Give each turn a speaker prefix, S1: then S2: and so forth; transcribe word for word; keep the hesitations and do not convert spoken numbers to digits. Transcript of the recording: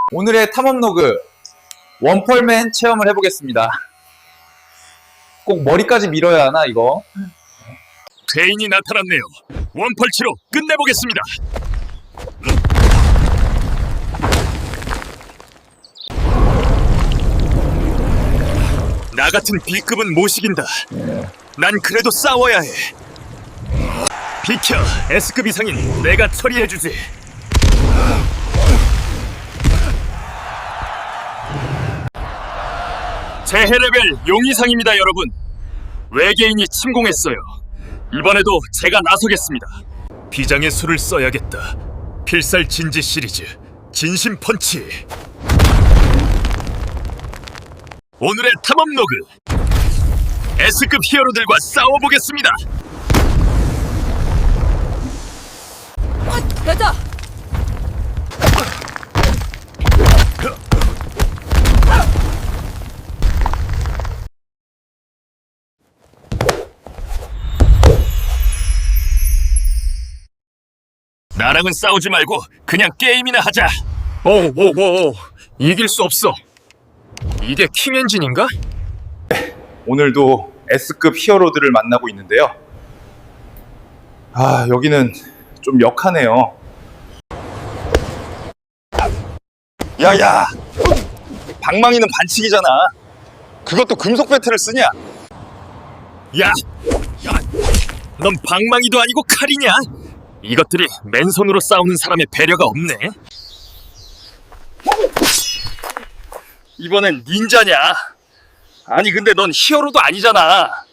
S1: 오늘의 탐험 로그 원펄맨 체험을 해보겠습니다. 꼭 머리까지 밀어야 하나 이거?
S2: 괴인이 나타났네요. 원펄치로 끝내보겠습니다. 나 같은 B급은 못 이긴다. 난 그래도 싸워야 해. 비켜, S급 이상인 내가 처리해주지. 재해 레벨 용 이상입니다, 여러분. 외계인이 침공했어요. 이번에도 제가 나서겠습니다. 비장의 수를 써야겠다. 필살 진지 시리즈 진심 펀치. 오늘의 탐험 로그 S급 히어로들과 싸워보겠습니다.
S3: 가자!
S2: 나랑은 싸우지 말고 그냥 게임이나 하자. 오오오 이길 수 없어. 이게 킹 엔진인가?
S1: 오늘도 S급 히어로들을 만나고 있는데요. 아, 여기는 좀 역하네요. 야야! 방망이는 반칙이잖아. 그것도 금속 배트를 쓰냐?
S2: 야! 야! 넌 방망이도 아니고 칼이냐? 이것들이 맨손으로 싸우는 사람의 배려가 없네. 이번엔 닌자냐? 아니 근데 넌 히어로도 아니잖아.